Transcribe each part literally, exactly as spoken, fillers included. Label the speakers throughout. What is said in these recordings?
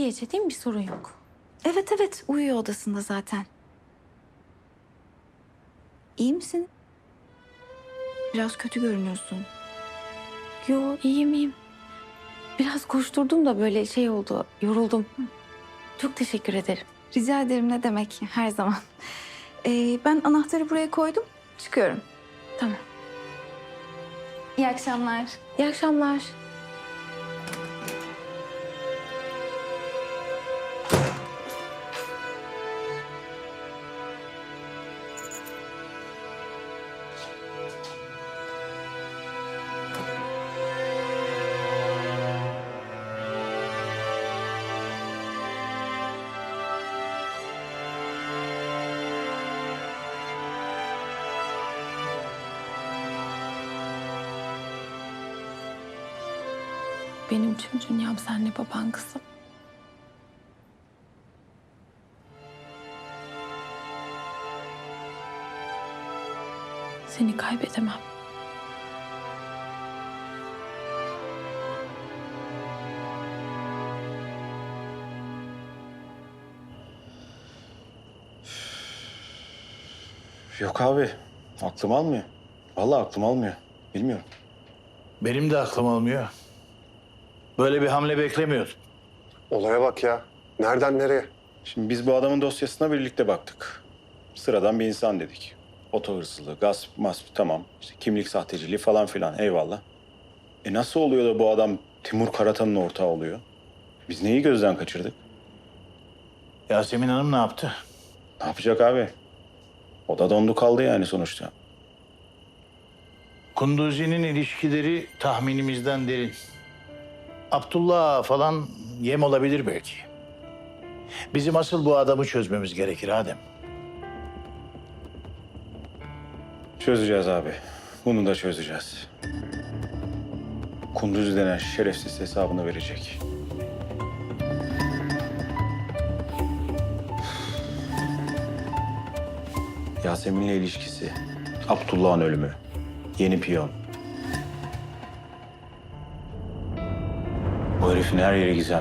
Speaker 1: gece değil mi? Bir sorun yok.
Speaker 2: Evet evet, uyuyor odasında zaten. İyi misin? Biraz kötü görünüyorsun.
Speaker 1: Yo, iyiyim iyiyim. Biraz koşturdum da böyle şey oldu. Yoruldum. Çok teşekkür ederim.
Speaker 2: Rica ederim, ne demek, her zaman. Ee, ben anahtarı buraya koydum, çıkıyorum.
Speaker 1: Tamam.
Speaker 2: İyi akşamlar.
Speaker 1: İyi akşamlar. Benim tüm dünyam senle baban kızım. Seni kaybedemem.
Speaker 3: Yok abi. Aklım almıyor. Vallahi aklım almıyor. Bilmiyorum.
Speaker 4: Benim de aklım almıyor. Böyle bir hamle beklemiyordum.
Speaker 5: Olaya bak ya. Nereden nereye?
Speaker 3: Şimdi biz bu adamın dosyasına birlikte baktık. Sıradan bir insan dedik. Oto hırsızlığı, gasp, masp tamam. İşte kimlik sahteciliği falan filan eyvallah. E nasıl oluyor da bu adam Timur Karatan'ın ortağı oluyor? Biz neyi gözden kaçırdık?
Speaker 4: Yasemin Hanım ne yaptı?
Speaker 3: Ne yapacak abi? O da dondu kaldı yani sonuçta.
Speaker 4: Kunduzi'nin ilişkileri tahminimizden derin. Abdullah falan yem olabilir belki. Bizim asıl bu adamı çözmemiz gerekir Adem.
Speaker 3: Çözeceğiz abi. Bunu da çözeceğiz. Kunduzi denen şerefsiz hesabını verecek. Yasemin'le ilişkisi, Abdullah'ın ölümü, yeni piyon. Bu herifin her yeri gizem.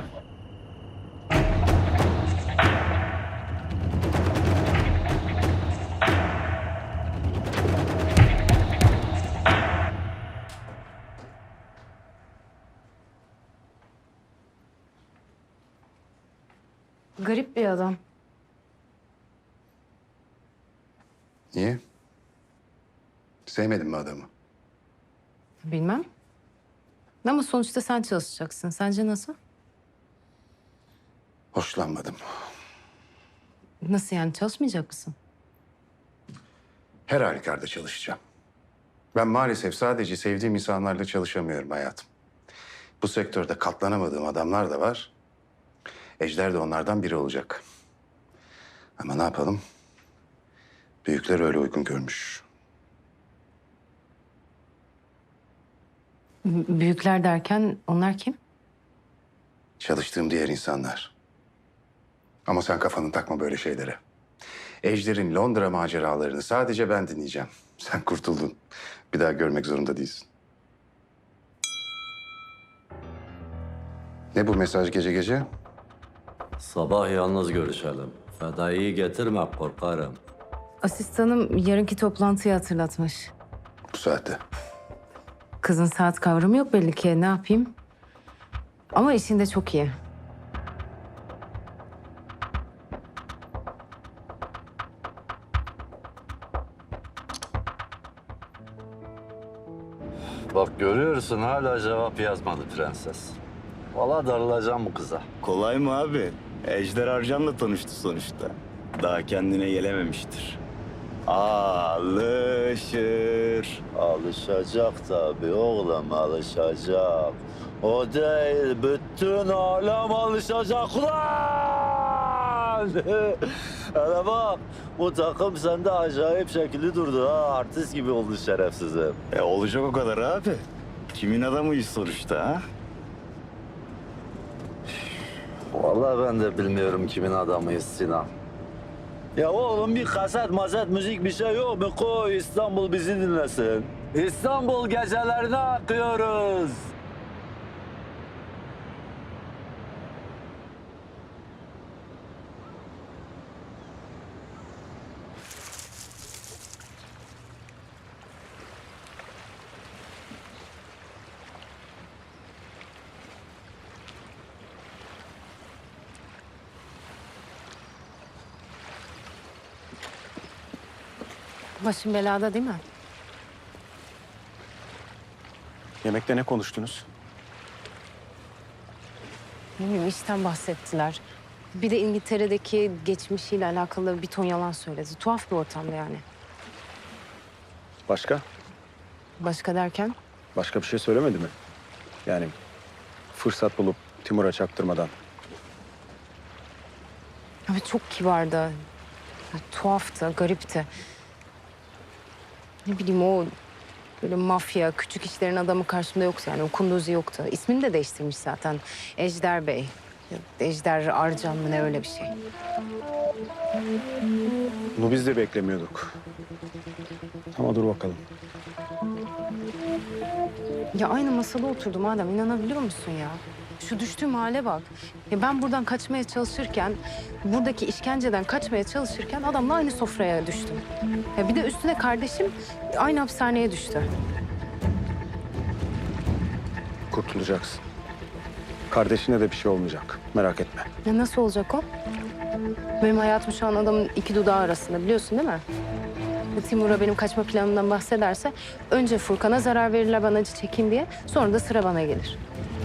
Speaker 6: Garip bir adam.
Speaker 5: Niye? Sevmedin mi adamı?
Speaker 6: Bilmem. Ama sonuçta sen çalışacaksın. Sence nasıl?
Speaker 5: Hoşlanmadım.
Speaker 6: Nasıl yani, çalışmayacak mısın?
Speaker 5: Her halükarda çalışacağım. Ben maalesef sadece sevdiğim insanlarla çalışamıyorum hayatım. Bu sektörde katlanamadığım adamlar da var. Ejder de onlardan biri olacak. Ama ne yapalım? Büyükler öyle uygun görmüş.
Speaker 6: B- Büyükler derken onlar kim?
Speaker 5: Çalıştığım diğer insanlar. Ama sen kafanı takma böyle şeylere. Ejder'in Londra maceralarını sadece ben dinleyeceğim. Sen kurtuldun. Bir daha görmek zorunda değilsin. Ne bu mesaj gece gece?
Speaker 7: Sabah yalnız görüşelim. Fedai'yi getirme, korkarım.
Speaker 6: Asistanım yarınki toplantıyı hatırlatmış.
Speaker 5: Bu saatte.
Speaker 6: Kızın saat kavramı yok belli ki. Ne yapayım? Ama işinde çok iyi.
Speaker 7: Bak görüyorsun hala cevap yazmadı prenses. Valla darılacağım bu kıza.
Speaker 8: Kolay mı abi? Ejder Arcan'la tanıştı sonuçta. Daha kendine gelememiştir. Alışır.
Speaker 7: Alışacak tabii oğlum, alışacak. O değil, bütün alem alışacak ulan! Hele bak, bu takım sende acayip şekilli durdu ha. Artist gibi oldu şerefsizim.
Speaker 8: E olacak o kadar abi. Kimin adamıyız sonuçta ha?
Speaker 7: Vallahi ben de bilmiyorum kimin adamıyız Sinan. Ya oğlum bir kaset mazet müzik bir şey yok mu? Koy İstanbul bizi dinlesin. İstanbul gecelerine akıyoruz.
Speaker 6: Başım belada değil mi?
Speaker 3: Yemekte ne konuştunuz?
Speaker 6: Ne bileyim işten bahsettiler. Bir de İngiltere'deki geçmişiyle alakalı bir ton yalan söyledi. Tuhaf bir ortamda yani.
Speaker 3: Başka?
Speaker 6: Başka derken?
Speaker 3: Başka bir şey söylemedi mi? Yani fırsat bulup Timur'a çaktırmadan.
Speaker 6: Ama çok kibardı. Ya, tuhaftı, garipti. Ne bileyim o böyle mafya, küçük işlerin adamı karşımda yoktu yani. O kunduzi yoktu. İsmini de değiştirmiş zaten. Ejder Bey. Ya, Ejder Arcan mı ne öyle bir şey.
Speaker 3: Bunu biz de beklemiyorduk. Ama dur bakalım.
Speaker 6: Ya aynı masada oturdum Adem, inanabiliyor musun ya? Şu düştüğüm hale bak. Ya ben buradan kaçmaya çalışırken, buradaki işkenceden kaçmaya çalışırken adamla aynı sofraya düştüm. Ya bir de üstüne kardeşim aynı hapishaneye düştü.
Speaker 3: Kurtulacaksın. Kardeşine de bir şey olmayacak. Merak etme.
Speaker 6: Ya nasıl olacak o? Benim hayatım şu an adamın iki dudağı arasında, biliyorsun değil mi? Ya Timur'a benim kaçma planımdan bahsederse önce Furkan'a zarar verirler ben acı çekeyim diye, sonra da sıra bana gelir.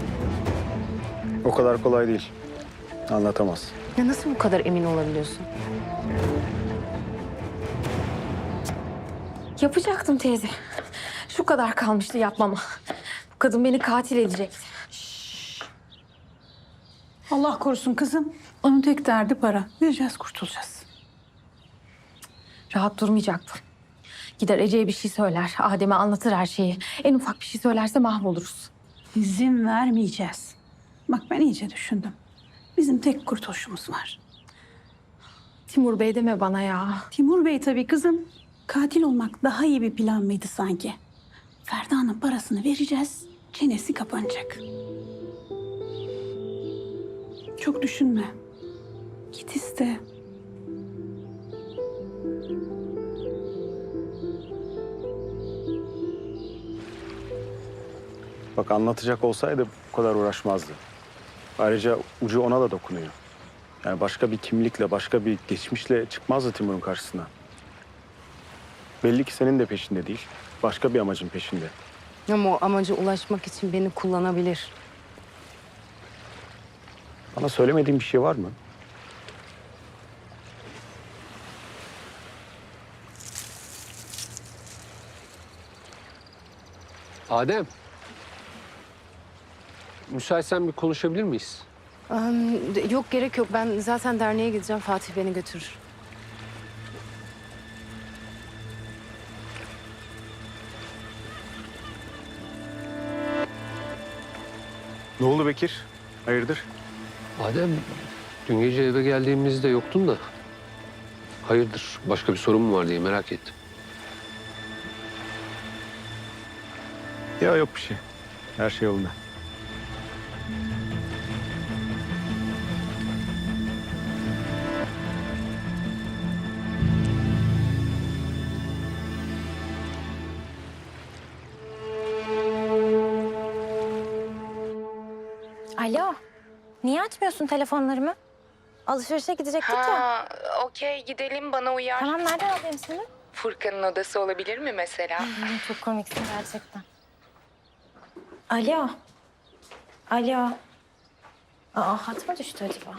Speaker 3: O kadar kolay değil. Anlatamaz.
Speaker 6: Ya nasıl bu kadar emin olabiliyorsun?
Speaker 1: Yapacaktım teyze. Şu kadar kalmıştı yapmama. Bu kadın beni katil edecekti.
Speaker 9: Allah korusun kızım. Onun tek derdi para. Vereceğiz, kurtulacağız.
Speaker 1: Rahat durmayacaktım. Gider Ece'ye bir şey söyler. Adem'e anlatır her şeyi. En ufak bir şey söylerse mahvoluruz.
Speaker 9: İzin vermeyeceğiz. Bak ben iyice düşündüm. Bizim tek kurtuluşumuz var.
Speaker 1: Timur Bey deme bana ya.
Speaker 9: Timur Bey tabii kızım. Katil olmak daha iyi bir plan mıydı sanki? Ferda'nın parasını vereceğiz. Çenesi kapanacak. Çok düşünme. Git iste.
Speaker 3: Bak anlatacak olsaydı bu kadar uğraşmazdı. Ayrıca ucu ona da dokunuyor. Yani başka bir kimlikle, başka bir geçmişle çıkmazdı Timur'un karşısına. Belli ki senin de peşinde değil. Başka bir amacın peşinde.
Speaker 6: Ama o amaca ulaşmak için beni kullanabilir.
Speaker 3: Bana söylemediğin bir şey var mı?
Speaker 10: Adem. Müsaitsen bir konuşabilir miyiz?
Speaker 6: Am, de- yok gerek yok. Ben zaten derneğe gideceğim. Fatih beni götürür.
Speaker 3: Ne oldu Bekir? Hayırdır?
Speaker 10: Adem, dün gece eve geldiğimizde yoktun da. Hayırdır, başka bir sorun mu var diye merak ettim.
Speaker 3: Ya yok bir şey. Her şey yolunda.
Speaker 11: Alo. Niye açmıyorsun telefonlarımı? Alışverişe gidecektik ya.
Speaker 6: Ha, okey gidelim bana uyar.
Speaker 11: Tamam nereden alayım seni?
Speaker 6: Furkan'ın odası olabilir mi mesela?
Speaker 11: Ay, çok komiksin gerçekten. Alo. Alo. Aa hat mı düştü acaba?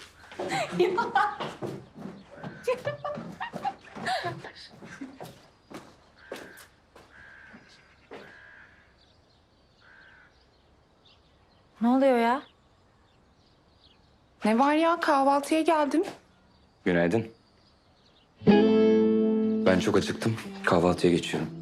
Speaker 11: Ne oluyor ya?
Speaker 2: Ne var ya, kahvaltıya geldim.
Speaker 12: Günaydın. Ben çok acıktım. Kahvaltıya geçiyorum.